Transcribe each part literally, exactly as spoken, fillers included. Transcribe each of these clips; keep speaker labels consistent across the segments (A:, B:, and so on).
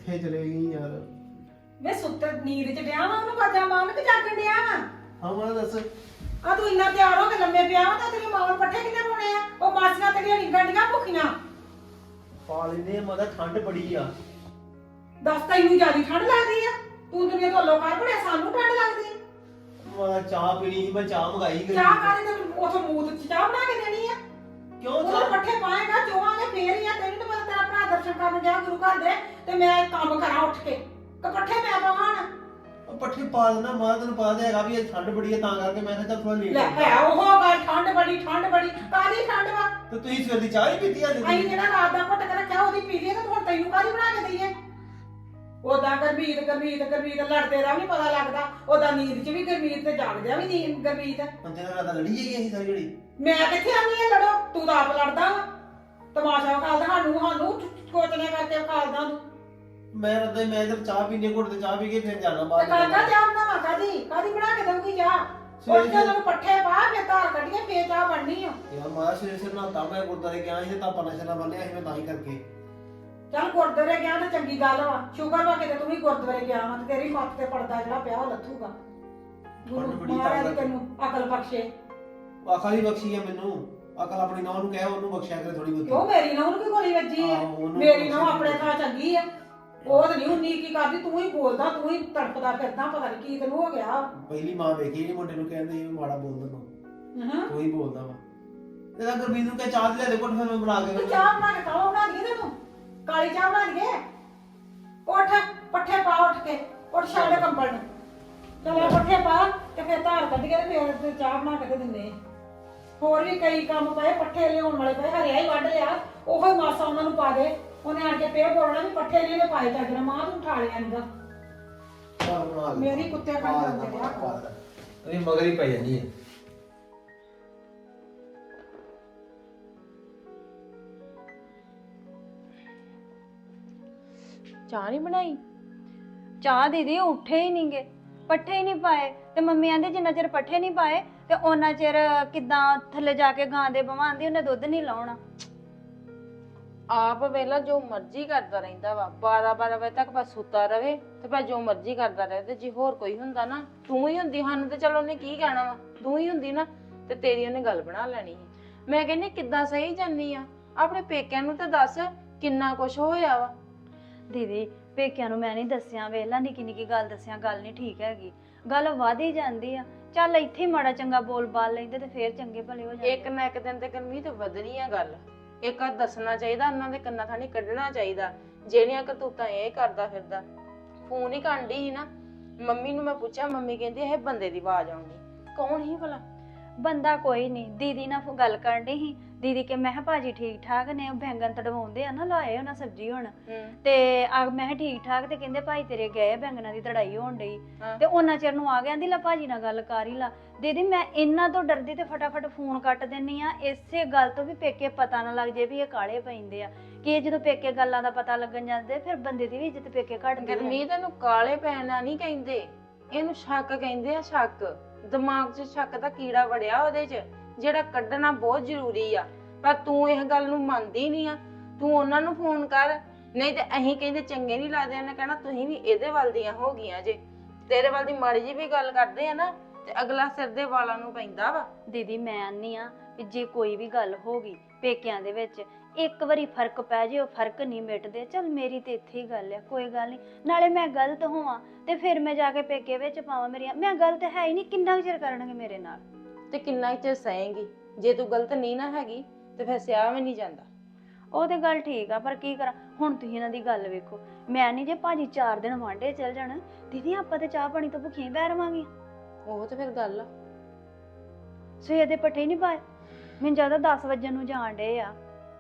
A: ਕਿੱਥੇ ਚਲੇ ਗਈ ਯਾਰ?
B: ਵੇ ਸੁੱਤ ਨੀਂਦ ਚ ਪਿਆ ਵਾ ਉਹਨੂੰ ਬਾਜਾ ਮਾਰਨ ਕਿ ਜਾਗਣ ਡਿਆ ਵਾ?
A: ਹਾਂ ਮੈਂ ਦੱਸ।
B: ਆ ਤੂੰ ਇੰਨਾ ਤਿਆਰ ਹੋ ਕੇ ਲੰਮੇ ਪਿਆ ਵਾ ਤਾਂ ਤੇਰੀ ਮਾਂ ਨੂੰ ਪੱਠੇ ਕਿੰਨੇ ਪਾਉਣੇ ਆ? ਉਹ ਮਾਸੀਆਂ ਤੇਰੀਆਂ ਨਿੰਗਣ ਡੀਆਂ ਭੁੱਖੀਆਂ।
A: ਪਾ ਲੈਂਦੇ ਆ ਮਾਤਾ, ਠੰਡ ਬੜੀ ਆ।
B: ਦੱਸ ਤੈਨੂੰ ਜਿਆਦਾ ਠੰਡ ਲੱਗਦੀ ਆ? ਤੂੰ ਦੁਨੀਆ ਤੋਂ ਲੋਕਾਂ ਬੜਿਆ, ਸਾਨੂੰ ਠੰਡ ਲੱਗਦੀ ਆ?
A: ਮਾਤਾ ਚਾਹ ਪੀਣੀ ਸੀ, ਮੈਂ ਚਾਹ ਮੰਗਾਈ ਗਈ।
B: ਚਾਹ ਕਾਹਦੇ ਤੇ ਉਥੋਂ ਮੂਤ ਚ ਚਾਹ ਬਣਾ ਕੇ ਦੇਣੀ ਆ?
A: ਕਿਉਂ
B: ਉਹ
A: ਚਾਹ?
B: ਪੱਠੇ ਪਾਏਗਾ ਚੋਵਾਂਗੇ ਫੇਰ ਹੀ ਆ। ਤੈਨੂੰ ਤਾਂ ਪਤਾ ਤੇਰਾ ਭਰਾ ਦਰਸ਼ਨ ਕਰਨ ਗਿਆ ਗੁਰੂ ਘਰ ਦੇ ਤੇ ਮੈਂ ਕੰਮ ਕਰਾਂ ਉੱਠ ਕੇ ਕਿ ਪੱਠੇ ਮੈਂ ਪਾਵਾਂ?
A: ਉਹ ਪੱਠੇ ਪਾ ਦੇਣਾ ਮਾਤਾ, ਤੈਨੂੰ ਪਤਾ ਤਾਂ ਹੈਗਾ ਵੀ ਇਹ ਠੰਡ ਬੜੀ ਆ, ਤਾਂ ਕਰਕੇ ਮੈਂ ਕਿਹਾ ਚੱਲ ਥੋੜਾ ਲੇਟ
B: ਲੈ ਹੈ ਉਹ ਗੱਲ ਠੰਡ ਬੜੀ ਠੰਡ ਬੜੀ ਕਾਹਦੀ ਠੰਡ ਵਾ?
A: ਤੇ ਤੁਸੀਂ ਸਵੇਰ ਦੀ ਚਾਹ ਹੀ ਪੀਤੀ ਆ?
B: ਅਸੀਂ ਜਿਹੜਾ ਰਾਤ ਦਾ ਘੁੱਟ ਕੇ ਰੱਖਿਆ ਉਹਦੀ ਪੀ ਲਈ ਤੇ ਹੁਣ ਤੈਨੂੰ ਕਾਹਦੀ ਬਣਾ ਕੇ ਦਈਏ? ਉਦਾਂ ਗਰਮੀਤ ਗਰਮੀਤ ਗਰਮੀਤ ਲੜਦੇ ਦਾ ਵੀ ਨੀ ਪਤਾ ਲੱਗਦਾ। ਉਦਾਂ ਨੀਂਦ ਚ ਵੀ ਗਰਮੀਤ ਤੇ ਜਾਗਦਿਆਂ ਵੀ ਨੀਂਦ ਗਰਮੀਤ।
A: ਪੰਜੇ ਦਾ ਰਾਤ ਲੜੀ ਜਾਈਏ ਅਸੀਂ ਸਾਰੀ ਜਿਹੜੀ।
B: ਮੈਂ ਕਿੱਥੇ ਆਨੀ ਆ ਲੜੋ? ਤੂੰ ਤਾਂ ਆਪ ਲੜਦਾ ਵਾ। ਤਮਾਸ਼ਾ ਖਾਲਦਾ ਸਾਨੂੰ ਸਾਨੂੰ ਕੋਚਨੇ ਕਰਕੇ ਖਾਲਦਾ ਤੂੰ।
A: ਮੈਂ ਰੱਦਾ ਮੈਂ ਜਦ ਚਾਹ ਪੀਣੇ ਘੁੱਟ ਤੇ ਚਾਹ ਪੀ ਕੇ ਫਿਰ ਜਾਣਾ
B: ਤੇ
A: ਬਾਹਰ।
B: ਕਾਕਾ ਚਾਹ ਬਣਾਵਾ ਕਾਦੀ ਕਾਦੀ ਬਣਾ ਕੇ ਦਊਗੀ ਚਾਹ? ਉਹ ਜਦੋਂ ਪੱਠੇ ਪਾ ਕੇ ਧਾਰ ਕੱਢੀਏ ਫੇਰ ਚਾਹ ਬਣਨੀ ਆ।
A: ਯਾਰ ਮਾਤਾ ਸਵੇਰੇ ਸਵੇਰੇ ਨਾ ਤਾਂ ਮੈਂ ਗੁਰਦਾਰੇ ਗਿਆ ਸੀ ਤੇ ਤਾਂ ਪਨਾ ਸ਼ਨਾ ਬੰਨਿਆ ਸੀ ਮੈਂ ਤਾਂ ਹੀ ਕਰਕੇ।
B: ਚੱਲ ਗੁਰਦੁਆਰੇ ਗਿਆ ਤਾਂ ਚੰਗੀ ਗੱਲ ਵਾ। ਸ਼ੁਕਰ ਵਾ ਕਿਤੇ ਤੂੰ ਵੀ ਗੁਰਦੁਆਰੇ ਗਿਆ ਵਾ ਤੇ ਤੇਰੀ ਮੱਤ ਤੇ ਪਰਦਾ ਜਿਹੜਾ ਪਿਆ ਉਹ ਲੱਥੂਗਾ। ਗੁਰੂ ਮਹਾਰਾਜ ਤੈਨੂੰ ਅਕਲ ਬਖਸ਼ੇ।
A: ਅਕਲ ਹੀ ਬਖਸ਼ੀ ਆ ਮੈਨੂੰ। ਅਕਲ ਆਪਣੀ ਨੌਂ ਨੂੰ ਕਹਿ, ਉਹਨੂੰ ਬਖਸ਼ਿਆ ਕਰੇ ਥੋੜੀ ਬਹੁਤੀ।
B: ਉਹ ਮੇਰੀ ਨੌਂ ਨੂੰ ਕੀ ਗੋਲੀ ਵੱਜੀ ਆ? ਮੇਰੀ ਨੌਂ ਆਪਣੇ ਥਾਂ ਚੰਗੀ ਆ। ਉਹ ਤਾਂ ਨਹੀਂ ਉਨੀ ਕੀ ਕਰਦੀ। ਤੂੰ ਹੀ ਬੋਲਦਾ, ਤੂੰ ਹੀ ਤੜਪਦਾ ਫਿਰਦਾ, ਪਤਾ ਨਹੀਂ ਕੀ ਤੈਨੂੰ ਹੋ ਗਿਆ।
A: ਪਹਿਲੀ ਮਾਂ ਵੇਖੀ ਇਹ ਮੁੰਡੇ ਨੂੰ ਕਹਿੰਦੇ ਇਹ ਮਾੜਾ ਬੋਲਦਾ ਤੂੰ।
B: ਹਾਂ
A: ਤੂੰ ਹੀ ਬੋਲਦਾ ਵਾ। ਤੇ ਤਾਂ ਗੁਰਬੀਰ ਨੂੰ ਕਹਿ ਚਾਹ ਦੇ ਲੈ ਦੇ ਘੁੱਟ, ਫਿਰ ਮੈਂ ਬਣਾ ਕੇ
B: ਤੂੰ ਚਾਹ ਬਣਾ ਕੇ ਕਾਹ ਬਣਾ ਦਈਏ ਤੈਨੂੰ? ਕਾਲੀ ਚਾਹ ਬਣਾ ਦਈਏ? ਉੱਠ ਪੱਠੇ ਪਾ ਉੱਠ ਕੇ। ਉੱਠ ਛੱਡ ਕੰਬਲ ਨੂੰ। ਚਲ ਪੱਠੇ ਪਾ ਤੇ ਫਿਰ ਧਾਰ ਕੱਢ ਕੇ ਤੇ ਫਿਰ ਚਾਹ ਬਣਾ ਕੇ ਦੇ ਦਿੰਦੇ ਆ। ਹੋਰ ਵੀ ਕਈ ਕੰਮ ਪਏ, ਪੱਠੇ ਲਿਆਉਣ ਵਾਲੇ ਪਏ, ਹਰਿਆ ਹੀ ਵੱਢ ਲਿਆ। ਉਹੋ ਹੀ ਮਾਸਾ ਉਹਨਾਂ ਨੂੰ ਪਾ ਦੇ। ਉਹਨੇ ਆਣ ਕੇ ਫੇਰ ਬੋਲਣਾ ਵੀ ਪੱਠੇ ਨਹੀਂ ਨੇ ਪਾਏ ਚੱਜਣਾ। ਮਾਂ ਤੂੰ ਉਠਾ ਲਿਆ ਨੀਗਾ।
A: ਚਾਹ ਬਣਾ ਦੇ।
B: ਮੇਰੀ ਕੁੱਤੇ ਖਾਣ ਜਾਂਦੇ ਆ।
A: ਇਹ ਮਗਰ ਹੀ ਪੈ ਜਾਂਦੀ ਹੈ।
C: ਚਾਹ ਨਹੀਂ ਬਣਾਈ? ਚਾਹ ਦੀਦੀ ਉੱਠੇ ਹੀ ਨਹੀਂਗੇ, ਪੱਠੇ ਹੀ ਨਹੀਂ ਪਾਏ ਤੇ ਮੰਮੀ ਆਂਦੇ ਜਿੰਨਾ ਚਿਰ ਪੱਠੇ ਨਹੀਂ ਪਾਏ ਤੇ ਉਹਨਾਂ ਚਿਰ ਕਿੱਦਾਂ ਥੱਲੇ ਜਾ ਕੇ ਗਾਂ ਦੇ ਬਵਾਂ ਆਂਦੀ ਉਹਨੇ ਦੁੱਧ ਨਹੀਂ ਲਾਉਣਾ।
D: ਆਪ ਵੇਲਾ ਜੋ ਮਰਜ਼ੀ ਕਰਦਾ ਰਹਿੰਦਾ ਵਾ। ਬਾਰਾਂ ਬਾਰਾਂ ਵਜੇ ਤੱਕ ਬਸ ਸੁੱਤਾ ਰਵੇ ਤੇ ਭਾਵੇਂ ਜੋ ਮਰਜ਼ੀ ਕਰਦਾ ਰਹੇ। ਤੇ ਜੇ ਹੋਰ ਕੋਈ ਹੁੰਦਾ ਨਾ, ਤੂੰ ਹੀ ਹੁੰਦੀ ਸਾਨੂੰ ਤੇ ਚਲੋ ਉਹਨੇ ਕੀ ਕਹਿਣਾ ਵਾ। ਤੂੰ ਹੀ ਹੁੰਦੀ ਨਾ ਤੇ ਤੇਰੀ ਉਹਨੇ ਗੱਲ ਬਣਾ ਲੈਣੀ ਸੀ। ਮੈਂ ਕਹਿੰਦੀ ਕਿੱਦਾਂ ਸਹੀ ਜਾਨੀ ਆ? ਆਪਣੇ ਪੇਕਿਆਂ ਨੂੰ ਤੇ ਦੱਸ ਕਿੰਨਾ ਕੁਛ ਹੋਇਆ ਵਾ।
C: ਦੀਦੀ ਪੇਕਿਆਂ ਨੂੰ ਮੈਂ ਨਹੀਂ ਦੱਸਿਆ, ਵੇਲਾ ਨਿੱਕੀ ਨਿੱਕੀ ਗੱਲ ਦੱਸਿਆ ਗੱਲ ਨਹੀਂ ਠੀਕ ਹੈਗੀ। ਗੱਲ ਵਧ ਹੀ ਜਾਂਦੀ ਆ। ਚੱਲ ਇੱਥੇ ਹੀ ਮਾੜਾ ਚੰਗਾ ਬੋਲ ਬਾਲ ਲੈਂਦੇ ਤੇ ਫੇਰ ਚੰਗੇ ਭਲੇ ਹੋ ਜਾਂਦੇ।
D: ਇੱਕ ਨਾ ਇੱਕ ਦਿਨ ਤੇ ਗਰਮੀ ਤੇ ਵਧਣੀ ਆ ਗੱਲ। ਇੱਕ ਆ ਦੱਸਣਾ ਚਾਹੀਦਾ, ਉਹਨਾਂ ਦੇ ਕੰਨਾਂ ਥਾਣੀ ਕੱਢਣਾ ਚਾਹੀਦਾ ਜਿਹੜੀਆਂ ਕਰਤੂਤਾਂ ਇਹ ਕਰਦਾ ਫਿਰਦਾ। ਫੋਨ ਹੀ ਕਾਂਢੀ ਸੀ ਨਾ, ਮੰਮੀ ਨੂੰ ਮੈਂ ਪੁੱਛਿਆ, ਮੰਮੀ ਕਹਿੰਦੀ ਇਹ ਬੰਦੇ ਦੀ ਆਵਾਜ਼ ਆਉਂਦੀ। ਕੌਣ ਸੀ ਭਲਾ?
C: ਬੰਦਾ ਕੋਈ ਨਹੀਂ। ਦੀਦੀ ਨਾਲ ਗੱਲ ਕਰਨ ਡਈ ਸੀ। ਦੀਦੀ ਕੇ ਮੈਂ ਕਿਹਾ ਭਾਜੀ ਠੀਕ ਠਾਕ ਨੇ? ਉਹ ਬੈਂਗਣ ਤੜਵਾਉਂਦੇ ਆ ਨਾ, ਲਾਏ ਉਹਨਾਂ ਸਬਜ਼ੀ ਹੁਣ ਤੇ ਆ ਮੈਂ ਕਿਹਾ ਠੀਕ ਠਾਕ। ਤੇ ਕਹਿੰਦੇ ਭਾਈ ਤੇਰੇ ਗਏ ਬੈਂਗਣਾ ਦੀ ਤੜਾਈ ਹੋਣ ਡਈ ਤੇ ਉਹਨਾਂ ਚਿਰ ਨੂੰ ਆ ਗਿਆ। ਆਂਦੀ ਲੈ ਭਾਜੀ ਨਾਲ ਗੱਲ ਕਰ ਹੀ ਲਾ। ਦੀਦੀ ਮੈਂ ਇਹਨਾਂ ਤੋਂ ਡਰਦੀ ਤੇ ਫਟਾਫਟ ਫੋਨ ਕੱਟ ਦਿੰਨੀ ਆ, ਇਸੇ ਗੱਲ ਤੋਂ ਵੀ ਪੇਕੇ ਪਤਾ ਨਾ ਲੱਗ ਜੇ ਵੀ ਇਹ ਕਾਲੇ ਪੈਂਦੇ ਆ। ਕਿ ਜਦੋਂ ਪੇਕੇ ਗੱਲਾਂ ਦਾ ਪਤਾ ਲੱਗਣ ਜਾਂਦੇ ਫਿਰ ਬੰਦੇ ਦੀ ਵੀ ਇੱਜ਼ਤ ਪੇਕੇ ਘਟਦੀ ਹੈ।
D: ਗਰਮੀ ਤੈਨੂੰ ਕਾਲੇ ਪੈਣਾ ਨਹੀਂ ਕਹਿੰਦੇ, ਇਹਨੂੰ ਸ਼ੱਕ ਕਹਿੰਦੇ ਆ। ਸ਼ੱਕ ਦਿਮਾਗ 'ਚ ਸ਼ੱਕ ਦਾ ਕੀੜਾ ਵੜਿਆ ਉਹਦੇ 'ਚ, ਜਿਹੜਾ ਕੱਢਣਾ ਬਹੁਤ ਜ਼ਰੂਰੀ ਆ। ਪਰ ਤੂੰ ਇਹ ਗੱਲ ਨੂੰ ਮੰਨਦੀ ਨਹੀਂ ਆ। ਤੂੰ ਉਹਨਾਂ ਨੂੰ ਫੋਨ ਕਰ, ਨਹੀਂ ਤੇ ਅਸੀਂ ਕਹਿੰਦੇ ਚੰਗੇ ਨਹੀਂ ਲੱਗਦੇ। ਉਹਨੇ ਕਹਿਣਾ ਤੁਸੀਂ ਵੀ ਇਹਦੇ ਵੱਲ ਦੀਆਂ ਹੋ ਗਈਆਂ ਜੇ। ਤੇਰੇ ਵੱਲ ਦੀ ਮਾੜੀ ਜੀ ਵੀ ਗੱਲ ਕਰਦੇ ਆ ਨਾ ਤੇ ਅਗਲਾ ਸਿਰ ਦੇ ਵਾਲਾਂ ਨੂੰ ਪੈਂਦਾ ਵਾ।
C: ਦੀਦੀ ਮੈਂ ਆਨੀ ਆ ਵੀ ਜੇ ਕੋਈ ਵੀ ਗੱਲ ਹੋ ਗਈ ਪੇਕਿਆਂ ਦੇ ਵਿੱਚ, ਇੱਕ ਵਾਰੀ ਫਰਕ ਪੈ ਜੇ ਉਹ ਫਰਕ ਨਹੀਂ ਮਿਟਦੇ। ਚੱਲ ਮੇਰੀ ਤੇ ਇੱਥੇ ਹੀ ਗੱਲ ਆ, ਕੋਈ ਗੱਲ ਨਹੀਂ। ਨਾਲੇ ਮੈਂ ਗਲਤ ਹੋਵਾਂ ਤੇ ਫਿਰ ਮੈਂ ਜਾ ਕੇ ਪੇਕੇ ਵਿੱਚ ਪਾਵਾਂ ਮੇਰੀਆਂ, ਮੈਂ ਗਲਤ ਹੈ ਹੀ ਨਹੀਂ। ਕਿੰਨਾ ਚਿਰ ਕਰਨਗੇ ਮੇਰੇ ਨਾਲ?
D: ਤੇ ਕਿੰਨਾ ਚਿਰ ਸਹੇਂਗੀ? ਜੇ ਤੂੰ ਗਲਤ ਨਹੀਂ ਨਾ ਹੈਗੀ ਤੇ ਫਿਰ ਸਿਆਹ ਵੀ ਨਹੀਂ ਜਾਂਦਾ।
C: ਉਹ ਤੇ ਗੱਲ ਠੀਕ ਆ, ਪਰ ਕੀ ਕਰਾਂ ਹੁਣ? ਤੁਸੀਂ ਇਹਨਾਂ ਦੀ ਗੱਲ ਵੇਖੋ। ਮੈਂ ਨਹੀਂ ਜੇ ਭਾਜੀ ਚਾਰ ਦਿਨ ਵਾਂਢੇ ਚੱਲ ਜਾਣ, ਦੀਦੀ ਆਪਾਂ ਤੇ ਚਾਹ ਪਾਣੀ ਤੋਂ ਭੁੱਖੀਆਂ ਬਹਿ ਰਵਾਂਗੇ।
D: ਉਹ ਤੇ ਫਿਰ ਗੱਲ ਆ।
C: ਸਵੇਰ ਦੇ ਪੱਠੇ ਨਹੀਂ ਪਾਏ, ਮੈਨੂੰ ਜ਼ਿਆਦਾ ਦਸ ਵਜੇ ਨੂੰ ਜਾਣ ਡੇ ਆ।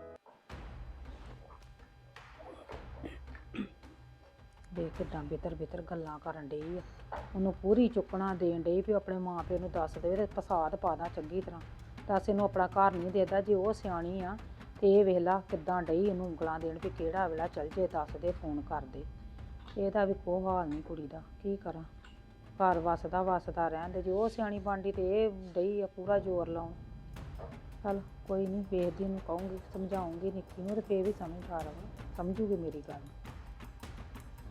E: ਦੇਖ ਕਿੱਦਾਂ ਬਿਤਰ ਬਿਤਰ ਗੱਲਾਂ ਕਰਨ ਡਈ ਆ। ਉਹਨੂੰ ਪੂਰੀ ਚੁੱਕਣਾ ਦੇਣ ਡਈ ਵੀ ਆਪਣੇ ਮਾਂ ਪਿਓ ਨੂੰ ਦੱਸ ਦੇਵੇ ਤੇ ਫਸਾਦ ਪਾ ਦਾਂ ਚੰਗੀ ਤਰ੍ਹਾਂ। ਦੱਸ ਇਹਨੂੰ ਆਪਣਾ ਘਰ ਨਹੀਂ ਦੇਦਾ। ਜੇ ਉਹ ਸਿਆਣੀ ਆ ਤੇ ਇਹ ਵੇਖ ਲਾ ਕਿੱਦਾਂ ਡਈ ਇਹਨੂੰ ਉਂਗਲਾਂ ਦੇਣ ਵੀ ਕਿਹੜਾ ਵੇਲਾ ਚੱਲ ਜੇ, ਦੱਸ ਦੇ, ਫੋਨ ਕਰ ਦੇ। ਇਹਦਾ ਵੀ ਕੋਈ ਹਾਲ ਨਹੀਂ ਕੁੜੀ ਦਾ, ਕੀ ਕਰਾਂ? ਘਰ ਵਸਦਾ ਵਸਦਾ ਰਹਿਣ ਦੇ। ਜੇ ਉਹ ਸਿਆਣੀ ਬਣਦੀ ਤੇ ਇਹ ਡਈ ਆ ਪੂਰਾ ਜ਼ੋਰ ਲਾਉਣ। ਚੱਲ ਕੋਈ ਨਹੀਂ, ਵੇਖਦੀ ਉਹਨੂੰ ਕਹੂੰਗੀ, ਸਮਝਾਉਂਗੀ ਨਿੱਕੀ ਨੂੰ ਤੇ ਫੇਰ ਵੀ ਸਮਝ ਆ ਰਹਾ ਸਮਝੂਗੀ ਮੇਰੀ ਗੱਲ।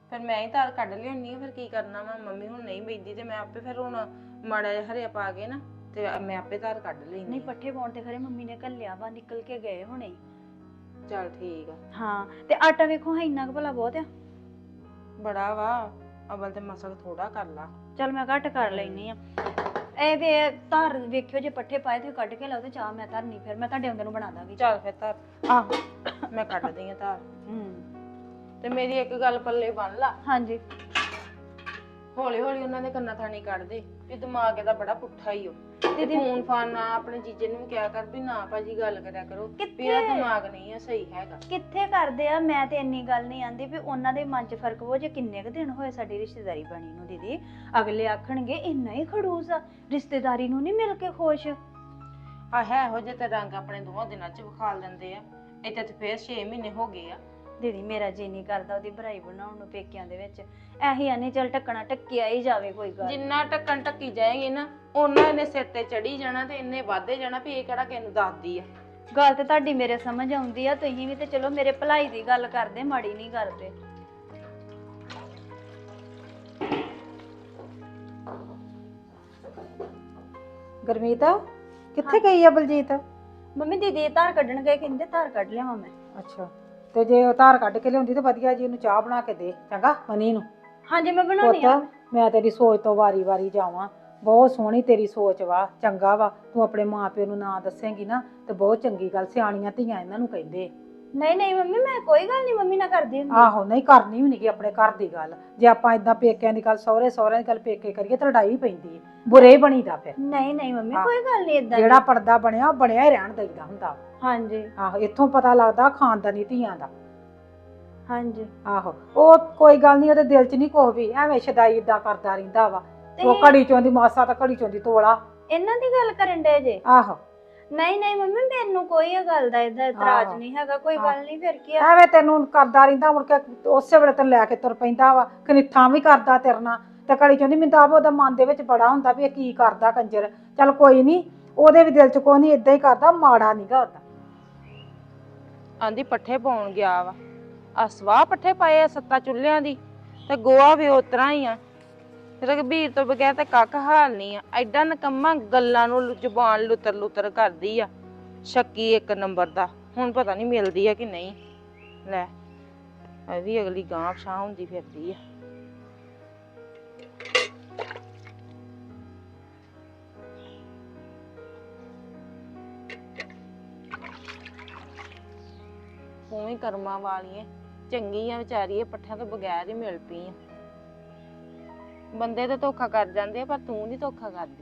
D: ਫਿਰ ਮੈਂ ਹੀ ਧਾਰ ਕੱਢ ਲਿਆਉਣੀ ਆ, ਫਿਰ ਕੀ ਕਰਨਾ ਵਾ, ਮੰਮੀ ਹੁਣ ਨਹੀਂ ਬੈਠੀ ਤੇ ਮੈਂ ਆਪੇ ਫਿਰ ਹੁਣ ਮਾੜਾ ਜਿਹਾ ਹਰਿਆ ਪਾ ਕੇ ਨਾ ਤੇ ਮੈਂ ਆਪੇ ਧਾਰ ਕੱਢ ਲੈਣੀ।
C: ਨਹੀਂ ਪੱਠੇ ਪਾਉਣ ਤੇ ਖਰੇ ਮੰਮੀ ਨੇ ਘੱਲਿਆ ਵਾ, ਨਿਕਲ ਕੇ ਗਏ ਹੁਣੇ।
D: ਚੱਲ ਠੀਕ ਆ।
C: ਹਾਂ ਤੇ ਆਟਾ ਵੇਖੋ ਹੈ ਇੰਨਾ ਕੁ ਭਲਾ ਬਹੁਤ ਆ।
D: ਬੜਾ ਵਾ, ਅਵਲ ਤੇ ਮਸਲ ਥੋੜਾ ਕਰ ਲਾ।
C: ਚਲ ਮੈਂ ਘੱਟ ਕਰ ਲੈਣੀ ਆ। ਇਹ ਵੇ ਧਾਰ ਵੇਖਿਓ, ਜੇ ਪੱਠੇ ਪਾਏ ਤੇ ਕੱਢ ਕੇ ਲਾਓ ਤੇ ਚਾਹ ਮੈਂ ਧਰਨੀ, ਫਿਰ ਮੈਂ ਤੁਹਾਡੇ ਆਉਂਦੇ ਨੂੰ ਬਣਾ ਦਾਂਗੀ।
D: ਚੱਲ ਫਿਰ ਧਾਰ
C: ਆਹੋ
D: ਮੈਂ ਕੱਢਦੀ ਆ ਧਾਰ।
C: ਹੂੰ
D: ਤੇ ਮੇਰੀ ਇੱਕ ਗੱਲ ਪੱਲੇ ਬੰਨ ਲਾ,
C: ਹਾਂਜੀ
D: ਹੌਲੀ ਹੌਲੀ ਉਹਨਾਂ ਦੇ ਕੰਨਾਂ ਥਾਣੀ ਕੱਢ ਦੇ ਵੀ ਦਿਮਾਗ ਇਹਦਾ ਬੜਾ ਪੁੱਠਾ ਹੀ ਓ। ਤੇ ਫੋਨ ਫਾਨ ਨਾ ਆਪਣੇ ਜੀਜੇ ਨੂੰ ਵੀ ਕਿਹਾ ਕਰ ਵੀ ਨਾ ਭਾਜੀ ਗੱਲ ਕਰਿਆ ਕਰੋ, ਵੀ ਇਹਦਾ ਦਿਮਾਗ ਨਹੀਂ ਆ ਸਹੀ ਹੈਗਾ।
C: ਕਿੱਥੇ ਕਰਦੇ ਆ, ਮੈਂ ਤੇ ਇੰਨੀ ਗੱਲ ਨਹੀਂ ਆਂਦੀ ਵੀ ਉਹਨਾਂ ਦੇ ਮਨ 'ਚ ਫਰਕ ਹੋ ਜੇ। ਕਿੰਨੇ ਕੁ ਦਿਨ ਹੋਏ ਸਾਡੀ ਰਿਸ਼ਤੇਦਾਰੀ ਬਣੀ ਨੂੰ ਦੀਦੀ, ਅਗਲੇ ਆਖਣਗੇ ਇੰਨਾ ਹੀ ਖੜੂਸ ਆ, ਰਿਸ਼ਤੇਦਾਰੀ ਨੂੰ ਨਹੀਂ ਮਿਲ ਕੇ ਖੁਸ਼।
D: ਆ ਹੈ ਇਹੋ ਜਿਹੇ ਤੇ ਰੰਗ ਆਪਣੇ ਦੋਵਾਂ ਦਿਨਾਂ 'ਚ ਵਿਖਾਲ ਦਿੰਦੇ ਆ। ਇੱਥੇ ਤੇ ਫੇਰ ਛੇ ਮਹੀਨੇ ਹੋ ਗਏ ਆ।
C: ਦੀਦੀ ਮੇਰਾ ਜੀ ਨਹੀਂ ਕਰਦਾ ਉਹਦੀ ਭਰਾਈ ਬਣਾਉਣ ਨੂੰ ਪੇਕਿਆਂ ਦੇ ਵਿੱਚ। ਇਹੀ ਆਨੇ ਚੱਲ ਟੱਕਣਾ ਟੱਕਿਆ ਹੀ ਜਾਵੇ, ਕੋਈ ਗੱਲ।
D: ਜਿੰਨਾ ਟੱਕਣ ਟੱਕੀ ਜਾਏਗੀ ਨਾ ਉਹਨਾਂ ਇਹਨੇ ਸਿਰ ਤੇ ਚੜੀ ਜਾਣਾ ਤੇ ਇੰਨੇ ਵਾਧੇ ਜਾਣਾ ਵੀ ਇਹ ਕਿਹੜਾ ਕਿਸੇ ਨੂੰ ਦੱਸਦੀ ਆ।
C: ਗੱਲ ਤੇ ਤੁਹਾਡੀ ਮੇਰੇ ਸਮਝ ਆਉਂਦੀ ਆ, ਤੁਸੀਂ ਵੀ ਤੇ ਚਲੋ ਮੇਰੇ ਭਲਾਈ ਦੀ ਗੱਲ ਕਰਦੇ, ਮਾੜੀ ਨਹੀਂ ਕਰਦੇ।
E: ਗੁਰਮੀਤ ਕਿੱਥੇ ਗਈ ਆ ਬਲਜੀਤ?
C: ਮੰਮੀ ਦੀਦੀ ਧਾਰ ਕੱਢਣ ਗਏ, ਕਹਿੰਦੇ ਧਾਰ ਕੱਢ ਲਿਆਵਾਂ ਮੈਂ।
E: ਅੱਛਾ, ਤੇ ਜੇ ਉਹ ਧਾਰ ਕੱਢ ਕੇ ਲਿਆਉਂਦੀ ਤੇ ਵਧੀਆ ਜੀ ਉਹਨੂੰ ਚਾਹ ਬਣਾ ਕੇ ਦੇ, ਚੰਗਾ ਮਨੀ ਨੂੰ।
C: ਹਾਂਜੀ ਮੈਂ ਬਣਾਉਣੀ ਆ।
E: ਪੁੱਤ ਮੈਂ ਤੇਰੀ ਸੋਚ ਤੋਂ ਵਾਰੀ ਵਾਰੀ ਜਾਵਾਂ, ਬਹੁਤ ਸੋਹਣੀ ਤੇਰੀ ਸੋਚ ਵਾ, ਚੰਗਾ ਵਾ। ਤੂੰ ਆਪਣੇ ਮਾਂ ਪਿਓ ਨੂੰ ਨਾ ਦੱਸੇਂਗੀ ਨਾ ਤੇ ਬਹੁਤ ਚੰਗੀ ਗੱਲ, ਸਿਆਣੀਆਂ ਧੀਆਂ ਇਹਨਾਂ ਨੂੰ ਕਹਿੰਦੇ।
C: ਨਹੀਂ ਨਹੀਂ ਮੰਮੀ ਮੈਂ ਕੋਈ ਗੱਲ ਨਹੀਂ ਮੰਮੀ ਨਾਲ ਕਰਦੀ ਹੁੰਦੀ।
E: ਆਹੋ ਨਹੀਂ ਕਰਨੀ ਵੀ ਨਹੀਂ ਆਪਣੇ ਘਰ ਦੀ ਗੱਲ। ਜੇ ਆਪਾਂ ਇਦਾਂ ਪੇਕਿਆਂ ਦੀ ਗੱਲ, ਸਹੁਰੇ ਸਹੁਰਿਆਂ ਦੀ ਗੱਲ ਪੇਕੇ ਕਰੀਏ ਤਾਂ ਲੜਾਈ ਪੈਂਦੀ ਹੈ, ਬੁਰੇ ਹੀ ਬਣੀਦਾ ਫਿਰ।
C: ਨਹੀਂ ਨਹੀਂ ਮੰਮੀ ਕੋਈ ਗੱਲ ਨਹੀਂ ਇਦਾਂ।
E: ਜਿਹੜਾ ਪਰਦਾ ਬਣਿਆ ਉਹ ਬਣਿਆ ਹੀ ਰਹਿਣ ਦਈਦਾ ਹੁੰਦਾ।
C: ਹਾਂਜੀ
E: ਆਹੋ ਇੱਥੋਂ ਪਤਾ ਲੱਗਦਾ ਖਾਨਦਾਨੀ ਧੀਆਂ ਦਾ।
C: ਹਾਂਜੀ
E: ਆਹੋ ਉਹ ਕੋਈ ਗੱਲ ਨਹੀਂ, ਉਹਦੇ ਦਿਲ 'ਚ ਨਹੀਂ ਕੁਛ ਵੀ, ਐਵੇਂ ਸ਼ਦਾਈ ਇਦਾਂ ਕਰਦਾ ਰਹਿੰਦਾ ਵਾ। ਉਹ ਘੜੀ ਚੋਂਦੀ ਮਾਸਾ ਤਾਂ ਘੜੀ ਚੋਂਦੀ ਤੋਲਾ।
C: ਇਹਨਾਂ ਦੀ ਗੱਲ ਕਰਨ ਡੇ ਜੇ?
E: ਆਹੋ
C: ਨਹੀਂ ਨਹੀਂ ਮੰਮੀ ਮੈਨੂੰ ਕੋਈ ਇਹ ਗੱਲ ਦਾ ਇਹਦਾ ਇਤਰਾਜ਼ ਨਹੀਂ ਹੈਗਾ, ਕੋਈ ਗੱਲ ਨਹੀਂ। ਫਿਰ ਕੀ ਆ,
E: ਐਵੇਂ ਤੈਨੂੰ ਕਰਦਾ ਰਹਿੰਦਾ, ਮੁੜ ਕੇ ਉਸੇ ਵੇਲੇ ਤੈਨੂੰ ਲੈ ਕੇ ਤੁਰ ਪੈਂਦਾ ਵਾ, ਕਨਿੱਥਾਂ ਵੀ ਕਰਦਾ ਤੇਰੇ ਨਾਲ। ਤੇ ਘੜੀ ਚੋਂਦੀ ਮੈਨੂੰ ਤਾਂ ਆਪ ਉਹਦਾ ਮਨ ਦੇ ਵਿੱਚ ਬੜਾ ਹੁੰਦਾ ਵੀ ਇਹ ਕੀ ਕਰਦਾ ਕੰਜਰ। ਚੱਲ ਕੋਈ ਨਹੀਂ, ਉਹਦੇ ਵੀ ਦਿਲ 'ਚ ਕੋਈ ਨਹੀਂ, ਇਦਾਂ ਹੀ ਕਰਦਾ, ਮਾੜਾ ਨੀਗਾ ਉਹਦਾ।
D: ਆਂਦੀ ਪੱਠੇ ਪਾਉਣ ਗਿਆ ਵਾ, ਆ ਸਵਾਹ ਪੱਠੇ ਪਾਏ ਆ ਸੱਤਾ ਚੁੱਲ੍ਹਿਆਂ ਦੀ, ਤੇ ਗੋਆ ਵੀ ਉਤਰਾ ਹੀ ਆ। ਰਘਬੀਰ ਤੋਂ ਬਗੈਰ ਤੇ ਕੱਖ ਹਾਲ ਨਹੀਂ ਆ। ਐਡਾ ਨਕੰਮਾ, ਗੱਲਾਂ ਨੂੰ ਜ਼ੁਬਾਨ ਲੁੱਤਰ ਲੁੱਤਰ ਕਰਦੀ ਆ, ਸ਼ੱਕੀ ਇੱਕ ਨੰਬਰ ਦਾ। ਹੁਣ ਪਤਾ ਨਹੀਂ ਮਿਲਦੀ ਆ ਕਿ ਨਹੀਂ। ਲੈ ਇਹ ਵੀ ਅਗਲੀ ਗਾਂਹ ਪਛਾਂ ਹੁੰਦੀ ਫਿਰਦੀ ਆ। ਤੂੰ ਹੀ ਕਰਮਾਂ ਵਾਲੀ ਐ, ਚੰਗੀ ਆ ਵਿਚਾਰੀ, ਇਹ ਪੱਠਿਆਂ ਤੋਂ ਬਗੈਰ ਹੀ ਮਿਲ ਪਈ ਆ। ਬੰਦੇ ਤਾਂ ਧੋਖਾ ਕਰ ਜਾਂਦੇ ਆ, ਪਰ ਤੂੰ ਨਹੀਂ ਧੋਖਾ ਕਰਦੀ।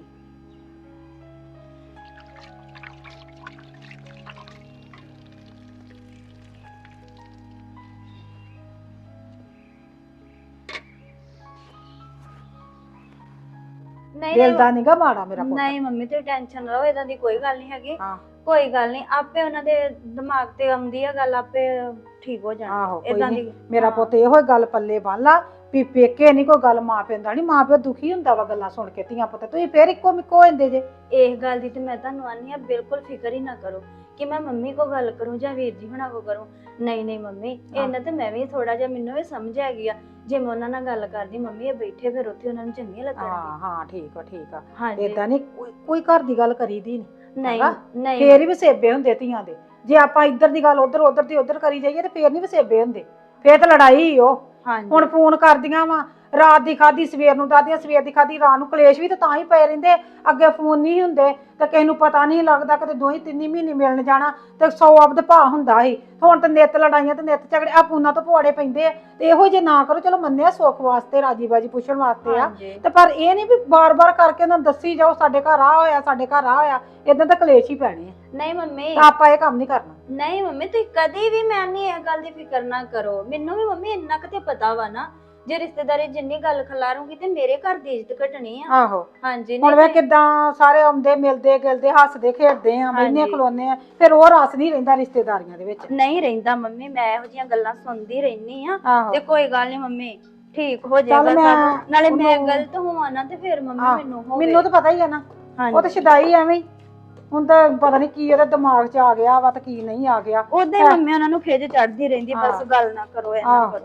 C: ਨਹੀਂ
E: ਦਿਲ ਦਾ ਨੀਗਾ ਮਾੜਾ ਮੇਰਾ ਪੁੱਤ।
C: ਨਹੀਂ ਮੰਮੀ ਤੇ ਟੈਨਸ਼ਨ ਲਓ, ਇਦਾਂ ਦੀ ਕੋਈ ਗੱਲ ਨਹੀਂ ਹੈਗੀ।
E: ਹਾਂ
C: ਕੋਈ ਗੱਲ ਨਹੀਂ, ਆਪੇ ਉਹਨਾਂ ਦੇ ਦਿਮਾਗ ਤੇ ਆਉਂਦੀ ਆ ਗੱਲ, ਆਪੇ ਠੀਕ ਹੋ ਜਾਣਾ।
E: ਆਹੋ ਕੋਈ
C: ਇਦਾਂ
E: ਨੀ,
C: ਦੀ
E: ਮੇਰਾ ਪੁੱਤ ਇਹੋ ਗੱਲ ਪੱਲੇ ਬੰਨ ਲਾ ਵੀ ਪੇਕੇ ਨਹੀਂ ਕੋਈ ਗੱਲ ਮਾਂ ਪਿਓ ਦਾ ਨਹੀਂ। ਮਾਂ ਪਿਓ ਦੁਖੀ ਹੁੰਦਾ ਵਾ ਗੱਲਾਂ ਸੁਣ ਕੇ, ਧੀਆਂ ਪੁੱਤ ਤੁਸੀਂ ਫੇਰ ਇੱਕੋ ਮਿੱਕੋ ਹੋ ਜਾਂਦੇ ਜੇ।
C: ਇਸ ਗੱਲ ਦੀ ਤੇ ਮੈਂ ਤੁਹਾਨੂੰ ਆਨੀ ਆ, ਬਿਲਕੁਲ ਫਿਕਰ ਹੀ ਨਾ ਕਰੋ ਕਿ ਮੈਂ ਮੰਮੀ ਕੋ ਗੱਲ ਕਰੂੰ ਜਾਂ ਵੀਰ ਜੀ ਹੁਣਾਂ ਕੋ ਕਰੂੰ। ਨਹੀਂ ਨਹੀਂ ਮੰਮੀ, ਇਹਨਾਂ ਤੇ ਮੈਂ ਵੀ ਥੋੜਾ ਜਿਹਾ, ਮੈਨੂੰ ਵੀ ਸਮਝ ਆ ਗਈ ਆ। ਜੇ ਮੈਂ ਉਹਨਾਂ ਨਾਲ ਗੱਲ ਕਰਦੀ, ਮੰਮੀ ਇਹ ਬੈਠੇ ਫਿਰ ਉੱਥੇ ਉਹਨਾਂ ਨੂੰ ਚੰਗੀਆਂ
E: ਹਾਂ
C: ਲੱਗਣਗੀਆਂ।
E: ਹਾਂ ਠੀਕ ਆ ਠੀਕ ਆ।
C: ਹਾਂਜੀ
E: ਏਦਾਂ ਨਹੀਂ ਕੋਈ ਘਰ ਦੀ ਗੱਲ ਕਰੀਦੀ ਨਹੀਂ।
C: ਨਹੀਂ ਨਹੀਂ
E: ਫੇਰ ਹੀ ਵਸੇਬੇ ਹੁੰਦੇ ਧੀਆਂ ਦੇ। ਜੇ ਆਪਾਂ ਇੱਧਰ ਦੀ ਗੱਲ ਉਧਰ, ਉਧਰ ਦੀ ਉਧਰ ਕਰੀ ਜਾਈਏ ਤੇ ਫੇਰ ਨਹੀਂ ਵਸੇਬੇ ਹੁੰਦੇ, ਫੇਰ ਤਾਂ ਲੜਾਈ ਹੀ। ਉਹ
C: ਹਾਂਜੀ
E: ਹੁਣ ਫੋਨ ਕਰਦੀਆਂ ਵਾ, ਰਾਤ ਦੀ ਖਾਦੀ ਸਵੇਰ ਨੂੰ ਦੱਸਦੀਆਂ, ਸਵੇਰ ਦੀ ਖਾਦੀ ਰਾਤ ਨੂੰ। ਕਲੇਸ਼ ਵੀ ਤਾਂ ਤਾਂ ਹੀ ਪਏ ਰਹਿੰਦੇ, ਅੱਗੇ ਫੋਨ ਨਹੀਂ ਹੁੰਦੇ ਤੇ ਕਿਸੇ ਨੂੰ ਪਤਾ ਨਹੀਂ ਲੱਗਦਾ। ਕਿਤੇ ਦੋ ਹੀ ਤਿੰਨ ਮਹੀਨੇ ਮਿਲਣ ਜਾਣਾ ਤੇ ਸੌ ਅਬਦ ਭਾ ਹੁੰਦਾ ਸੀ। ਹੁਣ ਤਾਂ ਨਿੱਤ ਲੜਾਈਆਂ ਤੇ ਨਿੱਤ ਝਗੜੇ, ਆ ਫੋਨਾਂ ਤੋਂ ਪੁਆੜੇ ਪੈਂਦੇ ਆ। ਤੇ ਇਹੋ ਜੇ ਨਾ ਕਰੋ, ਚਲੋ ਮੰਨਿਆ ਸੁੱਖ ਵਾਸਤੇ, ਰਾਜੀ ਬਾਜੀ ਪੁੱਛਣ ਵਾਸਤੇ ਆ, ਤੇ ਪਰ ਇਹ ਨਹੀਂ ਵੀ ਬਾਰ-ਬਾਰ ਕਰਕੇ ਉਹਨਾਂ ਨੂੰ ਦੱਸੀ ਜਾਓ ਸਾਡੇ ਘਰ ਆ ਹੋਇਆ, ਸਾਡੇ ਘਰ ਆ ਹੋਇਆ। ਇਦਾਂ ਤਾਂ ਕਲੇਸ਼ ਹੀ ਪੈਣੇ ਆ।
C: ਨਹੀਂ ਮੰਮੀ,
E: ਤਾਂ ਆਪਾਂ ਇਹ ਕੰਮ ਨਹੀਂ ਕਰਨਾ।
C: ਨਹੀਂ ਮੰਮੀ ਤੁਸੀਂ ਕਦੀ ਵੀ, ਮੈਂ ਨਹੀਂ ਇਹ ਗੱਲ ਦੀ ਫਿਕਰ ਨਾ ਕਰੋ। ਮੈਨੂੰ ਵੀ ਮੰਮੀ ਇੰਨਾ ਕੁ ਤੇ ਪਤਾ ਵਾ ਨਾ, ਜੇ ਰਿਸ਼ਤੇਦਾਰੀ ਜਿੰਨੀ ਗੱਲ ਖਿਲਾਰੂੰਗੀ ਤੇ ਮੇਰੇ ਘਰ ਦੀ ਇੱਜ਼ਤ ਘਟਣੀ ਆ।
E: ਆਹੋ
C: ਹਾਂਜੀ
E: ਹੁਣ ਵੇ ਕਿਦਾਂ ਸਾਰੇ ਆਉਂਦੇ ਮਿਲਦੇ ਗਿਲਦੇ, ਹੱਸਦੇ ਖੇਡਦੇ ਆ, ਮੈਨੇ ਖਲੋਨੇ ਆ, ਫਿਰ ਉਹ ਰਸ ਨਹੀਂ ਰਹਿੰਦਾ ਰਿਸ਼ਤੇਦਾਰੀਆਂ ਦੇ ਵਿੱਚ।
C: ਨਹੀਂ ਰਹਿੰਦਾ ਮੰਮੀ, ਮੈਂ ਇਹੋ ਜਿਹੀਆਂ ਗੱਲਾਂ ਸੁਣਦੀ ਰਹਿਨੀ ਆ।
E: ਆਹੋ
C: ਤੇ ਕੋਈ ਗੱਲ ਨਹੀਂ ਮੰਮੀ, ਠੀਕ ਹੋ ਜਾਏਗਾ ਸਭ। ਨਾਲੇ ਮੈਂ ਗਲਤ ਹੋਵਾਂ ਨਾ ਤੇ ਫਿਰ ਮੰਮੀ ਮੈਨੂੰ ਹੋਵੇ।
E: ਮੈਨੂੰ ਤਾਂ ਪਤਾ ਹੀ ਆ ਨਾ, ਉਹ ਤਾਂ ਸ਼ਦਾਈ ਐਵੇਂ ਹੀ। ਹੁਣ ਤਾਂ ਪਤਾ ਨਹੀਂ ਕੀ ਉਹਦੇ ਦਿਮਾਗ 'ਚ ਆ ਗਿਆ ਵਾ ਤੇ ਕੀ ਨਹੀਂ ਆ ਗਿਆ।
C: ਉਹਦੇ ਮੰਮੀ ਉਹਨਾਂ ਨੂੰ ਖਿਜ ਚੜਦੀ ਰਹਿੰਦੀ, ਬਸ ਗੱਲ ਨਾ ਕਰੋ, ਐ ਨਾ ਕਰੋ।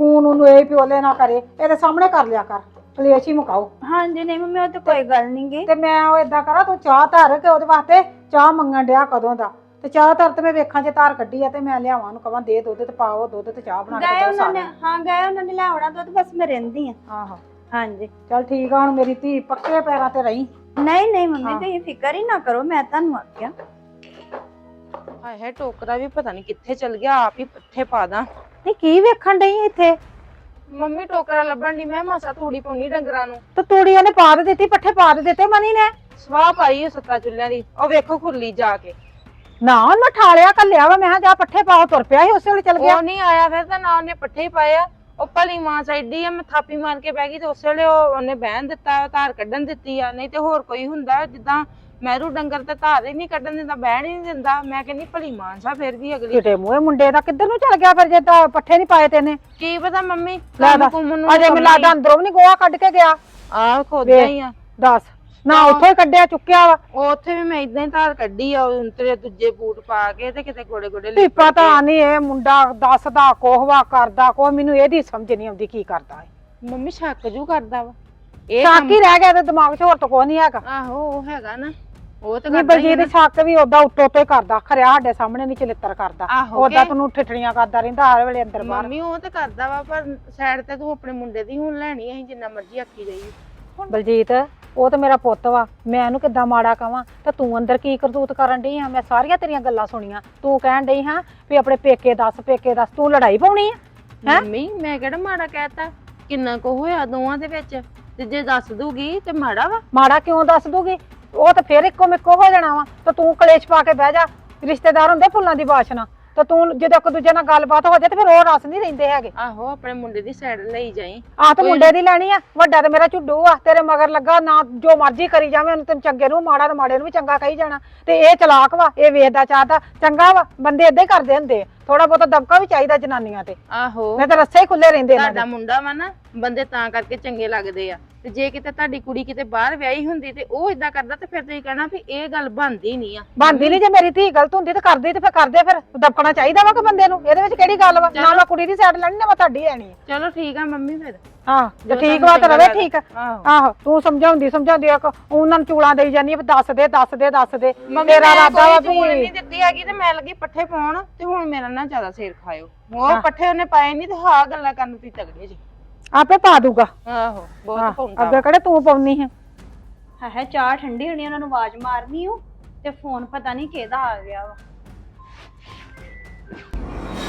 B: ਖੂਨ ਉਹਨੂੰ ਇਹ ਪਿਓਲੇ ਨਾ ਕਰੇ, ਇਹਦੇ ਸਾਹਮਣੇ ਕਰ ਲਿਆ ਕਰ, ਕਲੇਸ਼ ਹੀ ਮੁਕਾਓ।
C: ਹਾਂਜੀ ਨਹੀਂ ਮੰਮੀ ਉਹ ਤਾਂ ਕੋਈ ਗੱਲ ਨਹੀਂ ਗੀ।
B: ਤੇ ਮੈਂ ਉਹ ਏਦਾਂ ਕਰਾਂ, ਤੂੰ ਚਾਹ ਧਰ ਕੇ ਉਹਦੇ ਵਾਸਤੇ ਚਾਹ ਮੰਗਣ ਡਿਆ ਕਦੋਂ ਦਾ, ਤੇ ਚਾਹ ਧਰ ਤੇ ਮੈਂ ਵੇਖਾਂ ਜੇ ਧਾਰ ਕੱਢੀ ਆ ਤੇ ਮੈਂ ਲਿਆਵਾਂ ਉਹਨੂੰ ਕਵਾਂ ਦੇ ਦੁੱਧ ਤੇ ਪਾਓ ਦੁੱਧ ਤੇ ਚਾਹ ਬਣਾ ਕੇ
C: ਗਏ
B: ਦਿਓ
C: ਉਹਨਾਂ ਨੇ,
B: ਸਾਰੇ।
C: ਹਾਂ ਗਏ ਉਹਨਾਂ ਨੇ ਲਿਆਉਣਾ ਦੁੱਧ, ਬਸ ਮੈਂ ਰਹਿੰਦੀ ਆ।
B: ਆਹੋ
C: ਹਾਂਜੀ
B: ਚੱਲ ਠੀਕ ਆ, ਹੁਣ ਮੇਰੀ ਧੀ ਪੱਕੇ ਪੈਰਾਂ ਤੇ ਰਹੀ।
C: ਨਹੀਂ ਨਹੀਂ ਮੰਮੀ
B: ਹਾਂ।
C: ਤੁਸੀਂ ਫਿਕਰ ਹੀ ਨਾ ਕਰੋ, ਮੈਂ ਤੁਹਾਨੂੰ ਆਖਿਆ।
D: ਹਾਏ ਹਾਏ ਟੋਕਰਾ ਵੀ ਪਤਾ ਨਹੀਂ ਕਿੱਥੇ ਚਲ ਗਿਆ, ਆਪ ਹੀ ਪੱਠੇ ਪਾ ਦਾਂ।
E: ਨਹੀਂ ਕੀ ਵੇਖਣ ਡਈ ਇੱਥੇ?
D: ਮੰਮੀ ਟੋਕਰਾ ਲੱਭਣ ਦੀ, ਮੈਂ ਮਾਸਾ ਤੂੜੀ ਪਾਉਣੀ ਡੰਗਰਾਂ ਨੂੰ।
E: ਤੇ ਤੂੜੀ ਉਹਨੇ ਪਾ ਦੇ ਦਿੱਤੀ, ਪੱਠੇ ਪਾ ਦੇ ਦਿੱਤੇ ਮਨੀ ਨੇ।
D: ਸਵਾਹ ਪਾਈ ਉਹ ਸੱਤਾ ਚੁੱਲ੍ਹਿਆਂ ਦੀ, ਉਹ ਵੇਖੋ ਖੁਰਲੀ ਜਾ ਕੇ।
E: ਨਾ ਉਹਨੇ ਠਾਲਿਆ ਕੱਲਿਆ ਵਾ, ਮੈਂ ਕਿਹਾ ਜਾ ਪੱਠੇ ਪਾਓ, ਤੁਰ ਪਿਆ ਸੀ ਉਸੇ ਵੇਲੇ ਚਲ ਗਿਆ।
D: ਉਹ ਨਹੀਂ ਆਇਆ ਫਿਰ ਤਾਂ ਨਾ ਉਹਨੇ ਪੱਠੇ ਹੀ ਪਾਏ ਆ। ਉਹ ਭਲੀ ਮਾਂ ਸਾਈਡੀ ਆ, ਮੈਂ ਥਾਪੀ ਮਾਰ ਕੇ ਬਹਿ ਗਈ ਤੇ ਉਸੇ ਵੇਲੇ ਉਹ ਉਹਨੇ ਬਹਿਣ ਦਿੱਤਾ, ਧਾਰ ਕੱਢਣ ਦਿੱਤੀ ਆ। ਨਹੀਂ ਤੇ ਹੋਰ ਕੋਈ ਹੁੰਦਾ ਜਿੱਦਾਂ ਮੈਰੂ ਡੰਗਰ ਤੇ ਧਾਰ ਹੀ ਨਹੀਂ ਕੱਢਣ ਦਿੰਦਾ, ਬਹਿਣ ਹੀ ਨਹੀਂ ਦਿੰਦਾ। ਮੈਂ ਕਹਿੰਦੀ ਭਲੀ ਮਾਂ ਸਾ ਫਿਰ ਵੀ ਅਗਲੀ
E: ਕਿਤੇ ਮੂਹੇ ਮੁੰਡੇ ਦਾ ਕਿੱਧਰ ਨੂੰ ਚਲ ਗਿਆ ਫਿਰ, ਜੇ ਤਾਂ ਪੱਠੇ ਨਹੀਂ ਪਾਏ ਤੈਨੇ।
D: ਕੀ ਪਤਾ ਮੰਮੀ
E: ਲੈ
D: ਕੰਮ
E: ਦੱਸ,
D: ਕੁੰਮ ਨੂੰ
E: ਅਜੇ ਮੈਨੂੰ ਲੱਗਦਾ ਅੰਦਰੋਂ ਵੀ ਨਹੀਂ ਗੋਹਾ ਕੱਢ ਕੇ ਗਿਆ।
D: ਆਹ ਖੋਦਿਆ ਹੀ ਆ।
E: ਦੱਸ ਨਾ ਉੱਥੋਂ ਹੀ ਕੱਢਿਆ ਚੁੱਕਿਆ ਵਾ।
D: ਉਹ ਉੱਥੇ ਵੀ ਮੈਂ ਇਦਾਂ ਹੀ ਧਾਰ ਕੱਢੀ ਆ, ਉਹ ਤੇਰੇ ਦੂਜੇ ਬੂਟ ਪਾ ਕੇ ਤੇ ਕਿਤੇ ਗੋੜੇ ਗੋੜੇ
E: ਵੀ ਪਤਾ ਨਹੀਂ ਇਹ ਮੁੰਡਾ ਦੱਸਦਾ ਕੋਹਵਾ ਕਰਦਾ ਕੋ, ਮੈਨੂੰ ਇਹਦੀ ਸਮਝ ਨਹੀਂ ਆਉਂਦੀ ਕੀ ਕਰਦਾ ਹੈ।
D: ਮੰਮੀ ਸ਼ੱਕ ਜੂ ਕਰਦਾ ਵਾ ਇਹ
E: ਸ਼ੱਕ ਹੀ ਰਹਿ ਗਿਆ ਤੇ ਦਿਮਾਗ 'ਚ ਹੋਰ ਤਾਂ ਕੋਈ ਨਹੀਂ ਹੈਗਾ।
D: ਆਹੋ ਉਹ ਹੈਗਾ ਨਾ, ਉਹ ਤਾਂ
E: ਨਹੀਂ
D: ਕਰਦਾ ਹੀ ਆ
E: ਬਲਜੀਤ ਸ਼ੱਕ ਵੀ ਓਦਾਂ ਉੱਤੋਂ ਉੱਤੋਂ ਹੀ ਕਰਦਾ, ਖਰਿਆ ਸਾਡੇ ਸਾਹਮਣੇ ਨਹੀਂ ਚਲਿੱਤਰ ਕਰਦਾ।
D: ਆਹੋ
E: ਓਦਾਂ
D: ਕਿ-
E: ਤੈਨੂੰ ਠਿਠੜੀਆਂ ਕਰਦਾ ਰਹਿੰਦਾ ਹਰ ਵੇਲੇ ਅੰਦਰ ਬਾਹਰ।
D: ਮੰਮੀ ਉਹ ਤਾਂ ਕਰਦਾ ਵਾ, ਪਰ ਸਾਈਡ ਤੇ ਤੂੰ ਆਪਣੇ ਮੁੰਡੇ ਦੀ ਹੁਣ ਲੈਣੀ, ਅਸੀਂ ਜਿੰਨਾ ਮਰਜ਼ੀ ਆਖੀ ਜਾਈਏ।
E: ਬਲਜੀਤ ਉਹ ਤਾਂ ਮੇਰਾ ਪੁੱਤ ਵਾ, ਮੈਂ ਇਹਨੂੰ ਕਿੱਦਾਂ ਮਾੜਾ ਕਵਾਂ? ਤੇ ਤੂੰ ਅੰਦਰ ਕੀ ਕਰਤੂਤ ਕਰਨ ਡਈ ਆ? ਮੈਂ ਸਾਰੀਆਂ ਤੇਰੀਆਂ ਗੱਲਾਂ ਸੁਣੀਆਂ। ਤੂੰ ਕਹਿਣ ਡਈ ਹਾਂ ਵੀ ਆਪਣੇ ਪੇਕੇ ਦੱਸ, ਪੇਕੇ ਦੱਸ, ਤੂੰ ਲੜਾਈ ਪਾਉਣੀ ਆ? ਹੈਂ?
D: ਮੰਮੀ ਮੈਂ ਕਿਹੜਾ ਮਾੜਾ ਕਹਿਤਾ, ਕਿੰਨਾ ਕੁ ਹੋਇਆ ਦੋਵਾਂ ਦੇ ਵਿੱਚ, ਤੇ ਜੇ ਦੱਸ ਦੂਗੀ ਤੇ ਮਾੜਾ ਵਾ।
E: ਮਾੜਾ ਕਿਉਂ ਦੱਸ ਦੂਗੀ? ਉਹ ਤਾਂ ਫੇਰ ਇੱਕੋ ਮਿੱਕੋ ਹੋ ਜਾਣਾ ਵਾ। ਤੇ ਤੂੰ ਕਲੇਸ਼ ਪਾ ਕੇ ਬਹਿ ਜਾ। ਰਿਸ਼ਤੇਦਾਰ ਹੁੰਦੇ ਫੁੱਲਾਂ ਦੀ ਬਾਸ਼ਨਾ, ਤੇ ਤੂੰ ਜਦੋਂ ਇੱਕ ਦੂਜੇ ਨਾਲ ਗੱਲਬਾਤ ਹੋ ਜਾਏ ਤੇ ਫਿਰ ਉਹ ਰਸ ਨਹੀਂ ਰਹਿੰਦੇ ਹੈਗੇ।
D: ਆਹੋ ਆਪਣੇ ਮੁੰਡੇ ਦੀ ਸਾਈਡ ਲਈ ਜਾਈ।
E: ਆਹ ਤਾਂ ਮੁੰਡੇ ਦੀ ਲੈਣੀ ਆ, ਵੱਡਾ ਤੇ ਮੇਰਾ ਝੁੱਡੂ ਆ, ਤੇਰੇ ਮਗਰ ਲੱਗਾ ਨਾ, ਜੋ ਮਰਜ਼ੀ ਕਰੀ ਜਾਵੇ ਉਹਨੂੰ, ਤੈਨੂੰ ਚੰਗੇ ਨੂੰ ਮਾੜਾ ਤੇ ਮਾੜੇ ਨੂੰ ਵੀ ਚੰਗਾ ਕਹੀ ਜਾਣਾ। ਤੇ ਇਹ ਚਲਾਕ ਵਾ, ਇਹ ਵੇਖਦਾ ਚਾਹਦਾ ਚੰਗਾ ਵਾ। ਬੰਦੇ ਏਦਾਂ ਹੀ ਕਰਦੇ ਹੁੰਦੇ ਆ, ਥੋੜਾ ਬਹੁਤਾ ਦਬਕਾ ਵੀ ਚਾਹੀਦਾ ਜਨਾਨੀਆਂ ਤੇ,
D: ਆਹੋ
E: ਨਹੀਂ ਤਾਂ ਰੱਸੇ ਹੀ ਖੁੱਲੇ ਰਹਿੰਦੇ ਇਹਨਾਂ
D: ਤੁਹਾਡਾ
E: ਦੇ।
D: ਮੁੰਡਾ ਵਾ ਨਾ, ਬੰਦੇ ਤਾਂ ਕਰਕੇ ਚੰਗੇ ਲੱਗਦੇ ਆ। ਤੇ ਜੇ ਕਿਤੇ ਤੁਹਾਡੀ ਕੁੜੀ ਕਿਤੇ ਬਾਹਰ ਵਿਆਹੀ ਹੁੰਦੀ ਤੇ ਉਹ ਇਦਾਂ ਕਰਦਾ ਤੇ ਫਿਰ ਤੁਸੀਂ ਕਹਿਣਾ ਵੀ ਇਹ ਗੱਲ ਬਣਦੀ ਨਹੀਂ ਆ।
E: ਬਣਦੀ ਨਹੀਂ, ਜੇ ਮੇਰੀ ਧੀ ਗਲਤ ਹੁੰਦੀ ਤੇ ਕਰਦੀ ਤੇ ਫਿਰ ਕਰਦੇ, ਫਿਰ ਦਬਕਣਾ ਚਾਹੀਦਾ ਵਾ ਕਿ ਬੰਦੇ ਨੂੰ। ਇਹਦੇ ਵਿੱਚ ਕਿਹੜੀ ਗੱਲ ਵਾ? ਨਾ ਮੈਂ ਕੁੜੀ ਦੀ ਸਾਈਡ ਲੈਣੀ, ਨਾ ਮੈਂ ਤੁਹਾਡੀ ਲੈਣੀ ਆ।
D: ਚਲੋ ਠੀਕ ਆ ਮੰਮੀ ਫਿਰ।
E: ਹਾਂ ਜੇ
D: ਜੋ
E: ਠੀਕ
D: ਤੁਹਾਨੂੰ
E: ਵਾ ਤਾਂ ਰਵੇ
D: ਚੰਗਾ
E: ਠੀਕ ਆ।
D: ਆਹੋ
E: ਆਹੋ ਤੂੰ ਸਮਝਾਉਂਦੀ ਸਮਝਾਉਂਦੀ ਆ, ਉਹਨਾਂ ਨੂੰ ਚੂਲਾਂ ਦੇਈ ਜਾਂਦੀ ਆ ਵੀ ਦੱਸ ਦੇ ਦੱਸ ਦੇ ਦੱਸ ਦੇ।
D: ਮੰਮੀ
E: ਤੇਰਾ
D: ਮੈਂ
E: ਇਰਾਦਾ ਵਾ
D: ਕੋਈ ਚੂਲ
E: ਵੀ
D: ਨਹੀਂ ਦਿੱਤੀ ਹੈਗੀ ਤੇ ਮੈਂ ਲੱਗੀ ਪੱਠੇ ਪਾਉਣ, ਤੇ ਹੁਣ ਮੇਰਾ ਨਾ ਜ਼ਿਆਦਾ ਸਿਰ ਖਾਇਓ। ਉਹ ਪੱਠੇ ਉਹਨੇ ਪਾਏ ਨਹੀਂ ਤੇ ਹਾਂ ਗੱਲਾਂ ਕਰਨ ਤੁਸੀਂ ਤਗੜੇ ਜੀ।
E: ਆਪੇ ਪਾ ਦੂਗਾ।
D: ਆਹੋ ਬਹੁਤ
E: ਹਾਂ,
D: ਪਾਉਂਦਾ।
E: ਅੱਗੇ ਕਿਹੜੇ ਤੂੰ ਪਾਉਣੀ ਹੈ?
C: ਹੈ ਹੈ ਚਾਹ ਠੰਡੀ ਹੋਣੀ, ਉਹਨਾਂ ਨੂੰ ਆਵਾਜ਼ ਮਾਰਨੀ ਉਹ, ਤੇ ਫੋਨ ਪਤਾ ਨਹੀਂ ਕਿਹਦਾ ਆ ਗਿਆ ਵਾ।